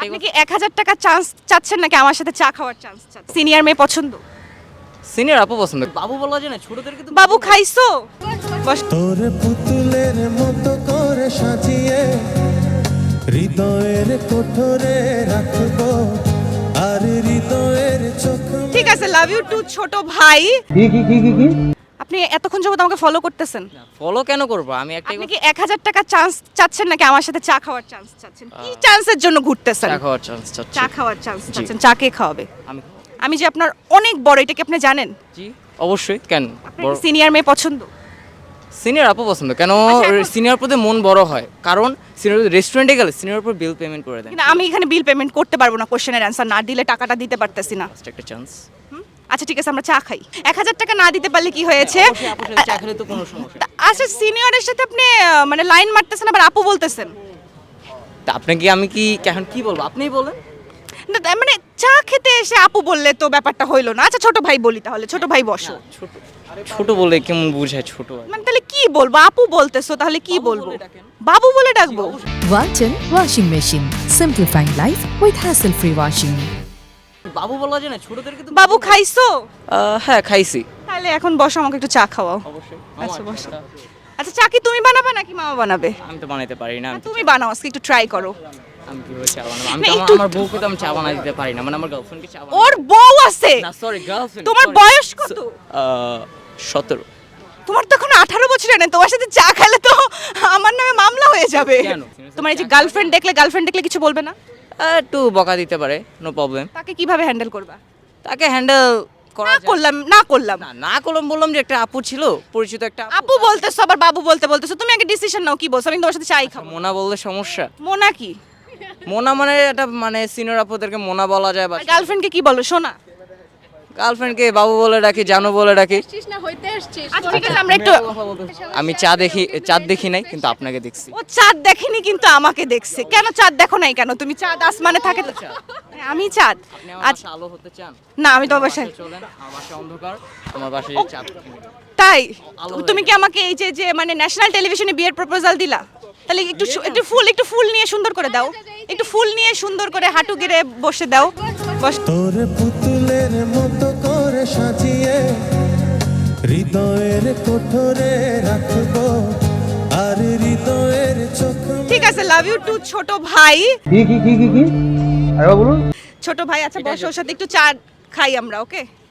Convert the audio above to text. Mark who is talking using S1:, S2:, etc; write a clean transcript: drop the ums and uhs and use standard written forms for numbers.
S1: আপনি কি 1000 টাকা চান্স চাচ্ছেন নাকি আমার সাথে চা খাওয়ার চান্স চাচ্ছেন? সিনিয়র মেয়ে পছন্দ?
S2: সিনিয়র আপু পছন্দ। বাবু বলা যায় না, ছোটদেরকে তো
S1: বাবু খাইছো? বস।
S3: তোর পুতুলের মতো করে সাজিয়ে হৃদয়ের কোঠরে রাখবো আর হৃদয়ের চোখ।
S1: ঠিক আছে, লাভ ইউ টু ছোট ভাই।
S3: কি
S1: আপনি এতক্ষণ যাবত আমাকে ফলো করতেছেন।
S2: ফলো কেন করবো? আমি একটাই
S1: আপনি কি 1000 টাকা চান্স চাচ্ছেন নাকি আমার সাথে চা খাওয়ার চান্স চাচ্ছেন? কি চান্সের জন্য ঘুরতেছেন?
S2: চা খাওয়ার চান্স চাচ্ছি।
S1: চা খাওয়ার চান্স চাচ্ছেন। চা কে খাওয়াবে?
S2: আমি
S1: আমি যে আপনার অনেক বড়, এটা কি আপনি জানেন?
S2: জি অবশ্যই। কেন?
S1: আপনার সিনিয়র মেয়ে পছন্দ?
S2: সিনিয়র আপু পছন্দ। কেন?
S1: আচ্ছা, এখন-
S2: সিনিয়র প্রতি মন বড় হয়, কারণ সিনিয়র রেস্টুরেন্টে গেলে সিনিয়র উপর বিল পেমেন্ট করে দেন।
S1: কিন্তু আমি এখানে বিল পেমেন্ট করতে পারবো না, কোশ্চেনের অ্যান্সার না দিলে টাকাটা দিতে পারতেছি না।
S2: Just একটা চান্স।
S1: আচ্ছা ঠিক আছে, আমরা চা খাই। 1000 টাকা না দিতে পারলে কি হয়েছে?
S2: আপুর সাথে চা খেলে তো কোনো সমস্যা নেই।
S1: আচ্ছা, সিনিয়রের সাথে আপনি মানে লাইন মারতেছেন আবার আপু বলতেছেন।
S2: তা আপনাকে আমি কি এখন কি বলবো? আপনিই বলেন।
S1: না, তার মানে চা খেতে এসে আপু বললে তো ব্যাপারটা হইলো না। আচ্ছা ছোট ভাই বলি তাহলে, ছোট ভাই বসো।
S2: ছোট ছোট বলে কেমন বুঝায় ছোট?
S1: মানে তাহলে কি বলবো? আপু বলতেছো, তাহলে কি বলবো? বাবু বলে ডাকবো?
S4: Walton Washing Machine. Simplifying life with hassle-free washing.
S2: বাবু বলা যায় না, ছোটদেরকে তো
S1: বাবু খাইছো?
S2: হ্যাঁ খাইছি।
S1: তাহলে এখন বসো, আমাকে একটু চা খাওয়াও।
S2: অবশ্যই।
S1: আচ্ছা বসো। আচ্ছা চা কি তুমি বানাবে নাকি মামা বানাবে?
S2: আমি তো বানাইতে পারি না।
S1: তুমি বানাও, আজকে একটু ট্রাই করো।
S2: আমি কিভাবে চা বানাবো? আমি
S1: না,
S2: তো
S1: একটু-
S2: আমার বউকে তো আমি চা বানাই দিতে পারি না, মানে আমার গার্লফ্রেন্ডকে চা বানাই।
S1: ওর বউ আছে?
S2: না সরি, গার্লফ্রেন্ড।
S1: তোমার বয়স কত?
S2: 17।
S1: তোমার তো এখন 18 বছরের নেই, তোমার সাথে চা খেলে তো আমার নামে মামলা হয়ে যাবে।
S2: কেন?
S1: তোমার এই যে গার্লফ্রেন্ড দেখলে কিছু বলবে না?
S2: একটু বকা দিতে পারে, নো প্রবলেম।
S1: তাকে কিভাবে হ্যান্ডেল করবা?
S2: তাকে হ্যান্ডেল করা
S1: না
S2: যায়।
S1: করলাম।
S2: না করলাম, বললাম যে একটা আপু ছিল, পরিচিত একটা
S1: আপু বলতেছো আবার বাবু বলতেছো, তুমি আগে ডিসিশন নাও, কি বলছো? আমি তোমার সাথে চাই খাবো।
S2: মোনা বললে সমস্যা?
S1: মোনা কি?
S2: মোনা মানে এটা মানে সিনিয়র আপুদেরকে মোনা বলা যায়, বা
S1: গার্লফ্রেন্ডকে কি বলো? সোনা?
S2: গার্লফ্রেন্ডকে বাবু বলে ডাকি, জানো বলে ডাকি।
S1: আচ্ছা ঠিক আছে, আমরা একটু।
S2: আমি চাঁদ দেখি নাই, কিন্তু আপনাকে দেখছি।
S1: ও চাঁদ দেখেনি কিন্তু আমাকে দেখছে। কেন চাঁদ দেখো নাই কেন? তুমি চাঁদ আসমানে থাকে তো। আমি চাঁদ?
S2: আপনি আমার
S1: আচ্ছা
S2: বাসায় আলো হতে চান?
S1: না, আমি তোমার বাসায়।
S2: চলেন, আমার বাসায় অন্ধকার, আমার বাসায় চাঁদ।
S1: তাই?
S2: আলো
S1: তুমি কি আমাকে এই যে যে মানে ন্যাশনাল টেলিভিশনে বিয়ের প্রপোজাল দিলা? তাহলে একটু ফুল নিয়ে সুন্দর করে দাও। একটু ফুল নিয়ে সুন্দর করে হাঁটু গেড়ে বসে দাও। বস।
S3: তোর পুতুলের মতো করে সাজিয়ে হৃদয়ের কোঠরে রাখবো আর হৃদয়ের চোখ।
S1: ঠিক আছে, লাভ ইউ টু ছোট ভাই।
S3: কি আরে বলুন।
S1: ছোট ভাই, আচ্ছা বসো, ওর সাথে একটু চা খাই আমরা, ওকে?